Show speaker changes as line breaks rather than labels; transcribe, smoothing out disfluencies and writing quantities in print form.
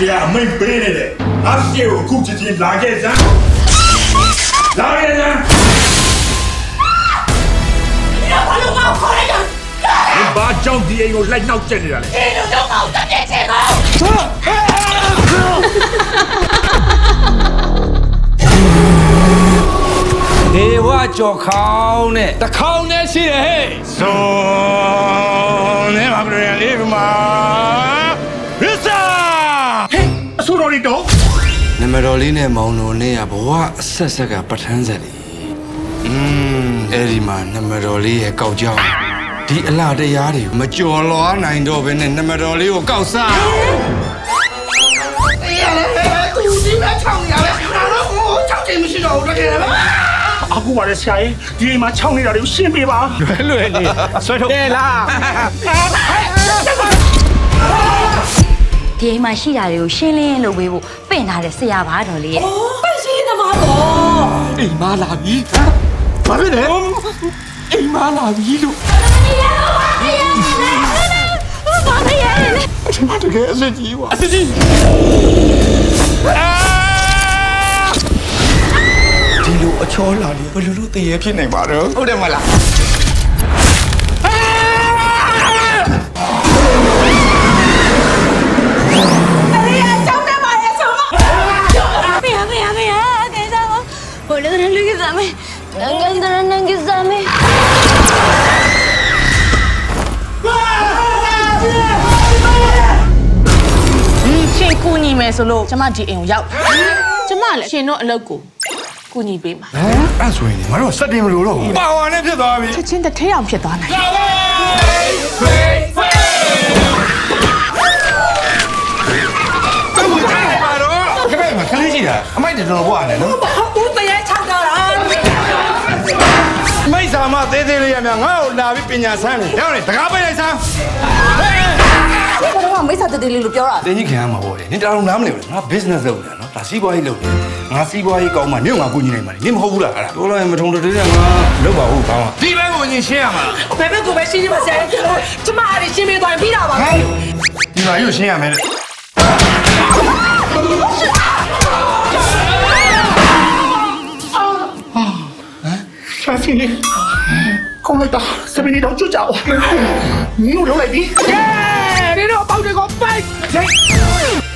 ဆရာအမိန်ပေးနေတယ်ငါရှေ့ကိုအခုချက်ချင်းလာခဲ့စမ်းလာခဲ့စမ်း
你把路搞好了呀！
你ဘာကြောင့်ဒီအိမ်ကိုလိုက်နှောက်ကျက်နေတာလဲ
你路搞得别这个。
ဒေဝကြော်ခေါင်းနဲ့တခေါင်းနဲ့ရှိတယ်ဟဲ့
ဆုံးနေမှာပြန်လေးကမှာရစ္စာဟဲ့အဆိုတော်ရီတော့
နမတော်လေးနဲ့မောင်တော်နဲ့ကဘဝအဆက်ဆက်ကပဋ္ဌာန်းဆက်လေအဲ့ဒီမှာနမတော်လေးရဲ့ကောက်ကြောင်းဒီအလားတရားတွေမကြော်လွားနိုင်တော့ဘဲနဲ့နမတော်လေးကိုကောက်စား
သူဒီမဲ့ချောင်းရပဲငါတော့ဟိုချောင်းချိန်မရှိတော့ဘူးတကယ်ပဲ
အခုပါလေဆရာကြီးဒီအိမ်မှာခြောက်နေတာတွေကိုရှင်းပေးပါလွယ်နေဆွဲထုတ်တယ်လား
ဒီအိမ်မှာရှိတာတွေကိုရှင်းလင်းလုပ်ပေးဖို့ပင့်ထားတဲ့ဆရာပါတော်လေးရဲ့
ပန့်စီးသမားတော့
အိမ်မလာပြီဘာဖြစ်လဲအိမ်မလာပြီလို့
ဘာလဲရဲ့
ဒီမှာတကယ်အစစ်ကြီးကွာအစစ်ကြီးဒီလိုအချောလာလေဘယ်လိုလုပ်တည်ရဖြစ်နိုင်ပါတော့ဟုတ်တယ်မလား
ရှင်ကူညီမယ်ဆိုလို့ကျမဒီအိမ်ကိုရောက်ကျမလည်းရှင်တို့အလုပ်ကိုကူညီပေးမှာ
အဲ့ဆိုရင်ငါတို့စက်တင်မလို့တော့ပါဝါနဲ့ဖြစ်သွားပြီ
ချက်ချင်းတစ်ထဲအောင်ဖြစ်သွားနိုင်
ပါတော့ခက်ခဲမှာခလေးရှိတာအမိုက်တော်တော်ဘွားနဲ့နော်
ဦးတရားချောင်းတော့လား
မိတ်ဆာမသေးသေးလေးရမြငါ့ကိုလာပြီးပညာဆန်းနေရောက်နေတကားပိတ်လိုက်စမ်း
ဘာလို့မိတ်ဆက်တေးလေးလို့ပြောတာ
တင်းကြီးခံရမှာပေါ့လေနင်တော်နားမလဲဘူးငါ business လုပ်နေတာနော်ဒါစီးပွားရေးလုပ်နေငါစီးပွားရေးကောင်းမှနင့်ငါကူညီနိုင်မှာနင်မဟုတ်ဘူးလားအဲ့ဒါပြောလိုက်မထုံတည်းနဲ့ငါလုပ်ပါဦးကောင်းဒီဘက်ကိုညင်ရှင်းရမှာ
ဘယ်ဘက်ကိုပဲရှင်းရှင်းပါစေကျမအားရှင်းပေးသွားပြီးတာပါ
ဒီမှာရုပ်ရှင်းရမယ်လေ
ရှာဖီလေးကောင်းလိုက်တာစပင်းတော့ကျွတ်ကြအောင်နင်တို့လုံးလိုက်ပြီ
你这包这个白。